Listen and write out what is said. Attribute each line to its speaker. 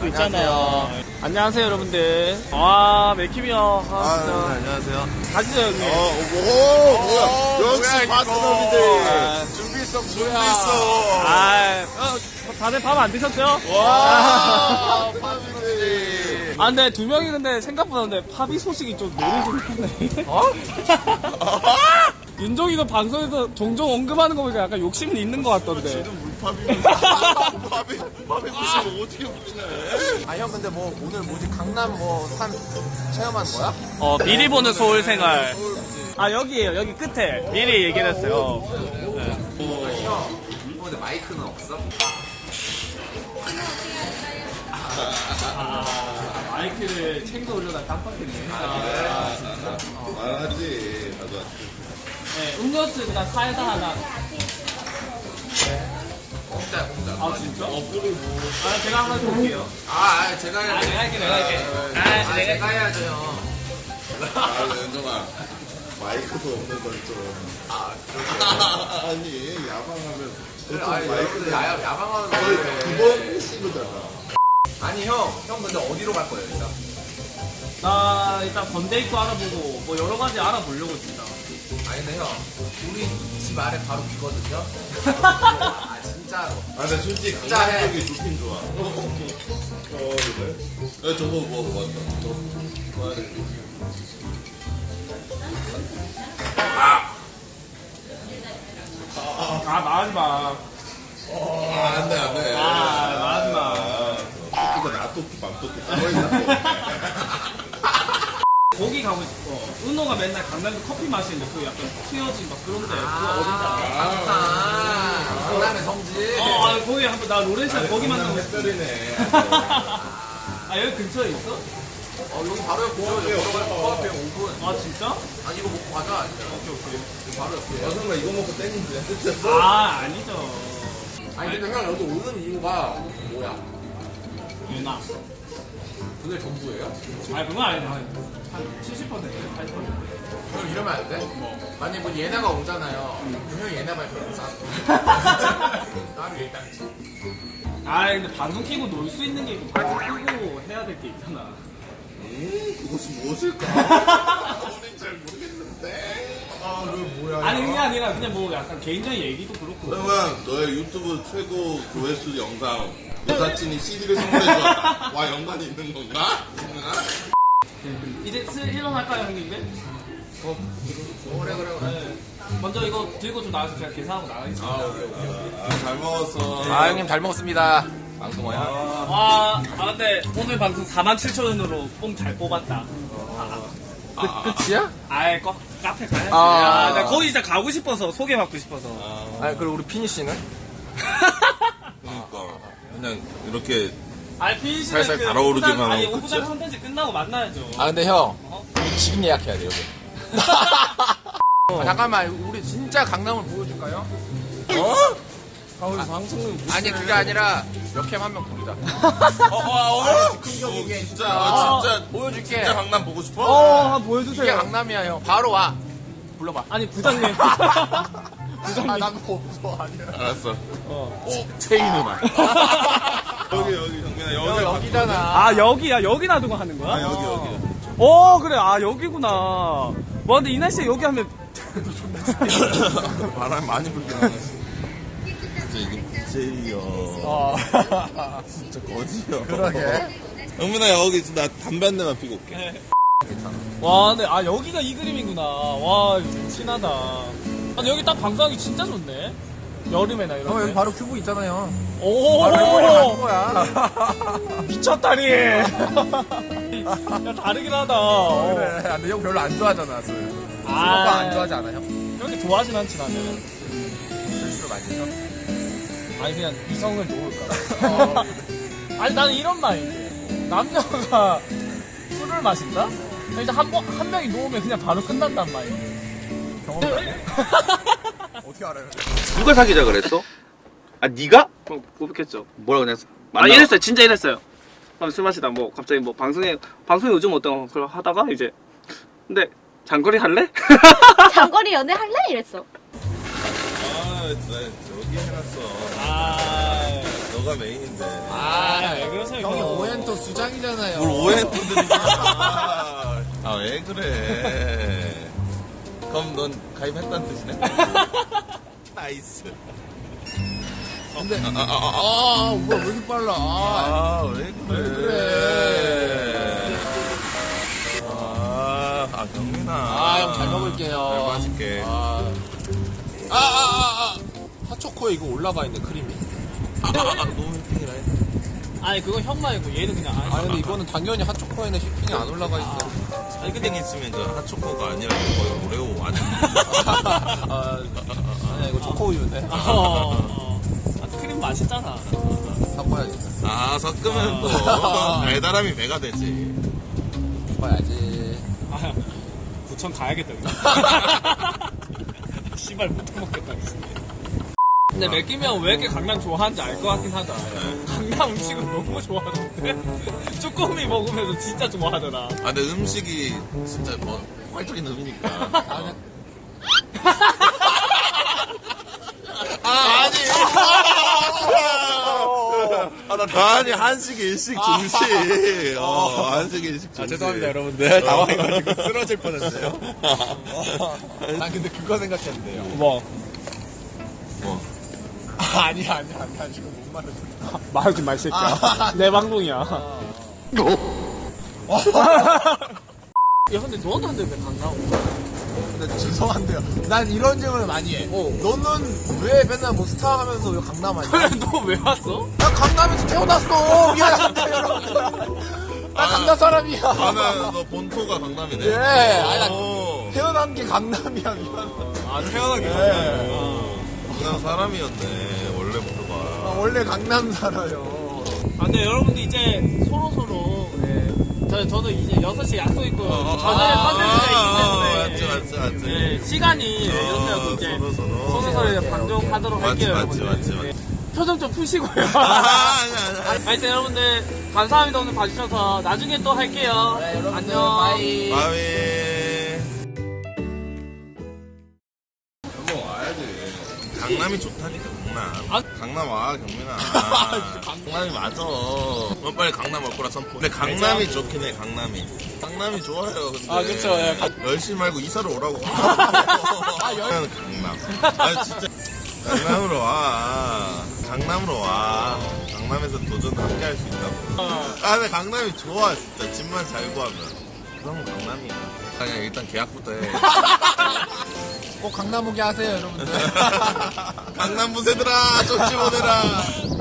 Speaker 1: 또 있잖아요. 안녕하세요 여러분들. 아 맥힘이요. 진짜.
Speaker 2: 안녕하세요.
Speaker 1: 가시죠 형님.
Speaker 2: 뭐야. 역시 파트너인데. 준비했어.
Speaker 1: 다들 밥 안 드셨죠?
Speaker 2: 와, 파트너지.
Speaker 1: 아 근데 두 명이 근데 생각보다 근데 팝이 소식이 좀 노리지못하네. 윤종이가 방송에서 종종 언급하는 거 보니까 약간 욕심이 있는 것 같던데.
Speaker 2: 팝이 무슨 어떻게 붙이네.
Speaker 3: 아 형 근데 뭐 오늘 뭐지 강남 뭐 산 체험하는 거야?
Speaker 1: 미리 보는 서울 생활. 아 여기에요. 여기 끝에 미리 얘기를 했어요.
Speaker 3: 형 근데 마이크는 없어?
Speaker 1: 마이크를 챙겨 올려다 깜빡했네.
Speaker 2: 말하지. 나도
Speaker 1: 네, 음료수 그냥 사이다 하나.
Speaker 3: 공짜.
Speaker 1: 아 진짜? 아 제가 한번 해볼게요.
Speaker 3: 제가 해야
Speaker 1: 내가 할게.
Speaker 3: 제가 해야죠 형.
Speaker 2: 연정아. 마이크도 없는 걸 좀. 아니, 야방하면.
Speaker 3: 마이크도 야방하는
Speaker 2: 거의
Speaker 3: 거예요.
Speaker 2: 두번 씌는 거잖아.
Speaker 3: 아니 형 근데 어디로 갈 거예요 일단?
Speaker 1: 나 일단 건데이크 알아보고 뭐 여러 가지 알아보려고 진짜.
Speaker 3: 아니 근데 형 우리 집 아래 바로 비거든요? 진짜로.
Speaker 2: 근데 솔직히
Speaker 3: 진짜
Speaker 2: 강남
Speaker 3: 해.
Speaker 2: 쪽이 좋긴 좋아. 그래? 저거 뭐 맞다. 저거 뭐야 돼?
Speaker 1: 말하지 마.
Speaker 2: 안 돼.
Speaker 1: 말하지 마.
Speaker 2: 토끼가 나토끼 밤토끼 거의 다
Speaker 1: 거기 가고 싶어. 은호가 맨날 강남에서 커피 마시는데 그 약간 튀어진 막 그런데 그거 어딘지 알아?
Speaker 3: 강남의 성지.
Speaker 1: 거기 한번 나 로렌시아 거기 만나고 싶어.
Speaker 2: 햇살이네.
Speaker 1: 여기 근처에 있어?
Speaker 3: 여기 바로 옆이요. 코앞에 5분.
Speaker 1: 아 진짜?
Speaker 3: 이거 먹고 가자. 오케이. 바로 옆이에요.
Speaker 2: 여성아 이거 먹고 땡긴데 끝이었어?
Speaker 1: 아니죠.
Speaker 3: 아니 근데 형 여기 오는 이유가 뭐야?
Speaker 1: 유나.
Speaker 3: 그게 전부예요?
Speaker 1: 그건 아니다. 한 70%, 80%.
Speaker 3: 그럼 이러면 안 돼? 만약에 뭐 얘네가 오잖아요. 그럼 형이 얘네 발표를 싸. 나를 일단.
Speaker 1: 근데 방송 키고 놀 수 있는 게 있고 방송 키고 해야 될 게 있잖아.
Speaker 2: 그것이 무엇일까? 우린 잘 모르겠는데. 그 뭐야?
Speaker 1: 아니 그게 아니라 그냥 뭐 약간 개인적인 얘기도 그렇고.
Speaker 2: 그러면 너의 유튜브 최고 조회수 영상 여사친이 CD를 선물해줬다. 와 연관이 있는 건가?
Speaker 1: 이제 슬 일어날까요 형님들?
Speaker 3: 그래.
Speaker 1: 먼저 이거 들고 좀 나와서 제가 계산하고 나가겠습니다.
Speaker 2: 잘 먹었어.
Speaker 3: 형님 잘 먹었습니다. 방송어야.
Speaker 1: 근데 오늘 방송 47,000원으로 뽕 잘 뽑았다.
Speaker 3: 끝이야?
Speaker 1: 카페 가야지.
Speaker 3: 아.
Speaker 1: 나 거기 진짜 가고 싶어서 소개받고 싶어서.
Speaker 3: 그리고 우리 피니 씨는?
Speaker 2: 그러니까 그냥 이렇게
Speaker 1: 피니시는
Speaker 2: 살살 달아오르기만 하고 끝이야?
Speaker 1: 오프장 컨텐츠 끝나고 만나야죠.
Speaker 3: 근데 형 우리 지금 예약해야 돼 여기. 잠깐만 우리 진짜 강남을 보여줄까요? 아니 그게 아니라 역캠 한 명 부르자.
Speaker 2: 진짜
Speaker 3: 보여줄게.
Speaker 2: 진짜 강남 보고 싶어?
Speaker 1: 한번
Speaker 3: 이게
Speaker 1: 보여주세요.
Speaker 3: 강남이야 형. 바로 와. 불러봐.
Speaker 1: 아니 부장님.
Speaker 3: 난 없어 아니야.
Speaker 2: 알았어. 체인 음악. 여기 정민아
Speaker 3: 여기잖아.
Speaker 1: 여기야. 여기 놔두고 하는 거야?
Speaker 2: 여기.
Speaker 1: 그래. 여기구나. 와 근데 이 날씨에 여기 하면
Speaker 2: 바람 많이 불긴 하네. 진짜 이게 BJ야. 진짜 거지야.
Speaker 3: 그러게.
Speaker 2: 영민아 여기 나 담배 한 대만 피고 올게.
Speaker 1: 와 근데 여기가 이 그림이구나. 와 친하다. 근데 여기 딱 방송하기 진짜 좋네. 여름에나 이런
Speaker 3: 여기
Speaker 1: 데.
Speaker 3: 바로 큐브 있잖아요.
Speaker 1: 오
Speaker 3: 바로 거야.
Speaker 1: 미쳤다니. 야 다르긴 하다.
Speaker 3: 그래. 근데 형 별로 안 좋아하잖아 술. 술 먹고 안 좋아하지 않아 형?
Speaker 1: 그렇게 좋아하진 않지 나는.
Speaker 3: 술수를 많이 해서?
Speaker 1: 아니 그냥 이성을 놓을까. 아니 나는 이런 마인드. 남녀가 술을 마신다? 일단 한 명이 놓으면 그냥 바로 끝난단 마인드.
Speaker 3: 경험해? 어떻게 알아요?
Speaker 4: 누가 사귀자 그랬어? 네가?
Speaker 1: 고백했죠.
Speaker 4: 뭐라 그랬어?
Speaker 1: 이랬어요. 진짜 이랬어요. 술 마시다 뭐 갑자기 뭐 방송에 요즘 어떤 걸 하다가 이제 근데 장거리 할래?
Speaker 5: 장거리 연애 할래? 이랬어.
Speaker 2: 나 여기 해놨어.
Speaker 1: 아
Speaker 2: 너가 너가 메인인데.
Speaker 1: 왜 그러세요?
Speaker 3: 형이
Speaker 1: 이거?
Speaker 3: 오엔토 수장이잖아요.
Speaker 2: 뭘 오해했는데. 왜 그래. 그럼 넌 가입했다는 뜻이네? 나이스.
Speaker 3: 근데 뭐야 왜 이렇게 빨라?
Speaker 2: 왜 그래. 경민아.
Speaker 3: 형 잘 먹을게요.
Speaker 2: 잘 마실게.
Speaker 3: 핫초코에 이거 올라가 있네 크림이.
Speaker 2: 너무 휘핑이라 해.
Speaker 1: 아니 그건 형 말고 얘는 그냥
Speaker 3: 근데 이거는 당연히 핫초코에는 휘핑이 안 올라가 있어.
Speaker 2: 아니 근데 있으면 그 핫초코가 아니라 거의 오레오 아니야?
Speaker 3: 아니야 이거 초코우유네.
Speaker 1: 크림 맛있잖아.
Speaker 3: 섞어야지.
Speaker 2: 섞으면 또 달달함이 배가 되지.
Speaker 3: 섞어야지.
Speaker 1: 부천 가야겠다. 씨발 못 먹겠다. 근데 맥기면 왜 이렇게 강남 좋아하는지 알 것 같긴 하다. 강남 음식은 너무 좋아하는데 쭈꾸미 먹으면서 진짜 좋아하더라.
Speaker 2: 근데 음식이 진짜 뭐 활적인 음이니까. 아니 한식 일식 중식. 한식 일식 중식.
Speaker 3: 죄송합니다 여러분들. 당황해가지고 쓰러질 뻔했어요. 난 근데 그거 생각했는데요.
Speaker 1: 뭐
Speaker 3: 아니야 지금 못 말했어.
Speaker 1: 말하지 마, 이 새끼야. 내 방송이야. 야, 근데 너는 왜 강남 오냐?
Speaker 3: 근데 죄송한데요. 난 이런 질문을 많이 해. 너는 왜 맨날 뭐 스타 하면서 왜 강남 아니야?
Speaker 1: 그래, 너 왜 왔어?
Speaker 3: 나 강남에서 태어났어. 미안한데 여러분들. 나 강남 사람이야.
Speaker 2: 너 본토가 강남이네.
Speaker 3: 예. 아니, 나
Speaker 2: 오.
Speaker 3: 태어난 게 강남이야. 미안.
Speaker 1: 태어나기
Speaker 3: 네.
Speaker 2: 강남 사람이었네 원래부터가.
Speaker 3: 원래 강남 살아요.
Speaker 1: 근데 여러분들 이제 서로서로, 네. 저도 이제 6시 약속 있고, 저녁에 컨텐츠가 있기 때문에.
Speaker 2: 맞지.
Speaker 1: 네, 시간이 이렇게 하고 이제 서로서로 이제 방송하도록 할게요.
Speaker 2: 맞지.
Speaker 1: 여러분들. 네. 표정 좀 푸시고요.
Speaker 2: 아니야.
Speaker 1: 하여튼 여러분들, 감사합니다. 오늘 봐주셔서. 나중에 또 할게요.
Speaker 3: 네, 여러분들
Speaker 1: 안녕.
Speaker 3: 바이.
Speaker 2: 바위. 한번 와야지. 강남이 좋다니까 강남. 강남 와 경민아. 강남이 맞아. 빨리 강남 올 거라 선포. 근데 강남이 좋긴 해 강남이. 강남이 좋아요. 근데.
Speaker 1: 그쵸. 예.
Speaker 2: 10시 말고 이사를 오라고. 여기는 강남. 진짜. 강남으로 와. 강남으로 와. 강남에서 도전 함께 할 수 있다고. 근데 강남이 좋아, 진짜. 집만 잘 구하면. 그럼 강남이야. 그냥 일단 계약부터 해.
Speaker 3: 꼭 강남 오게 하세요 여러분들.
Speaker 2: 강남 부세들아, 쪽지 보내라.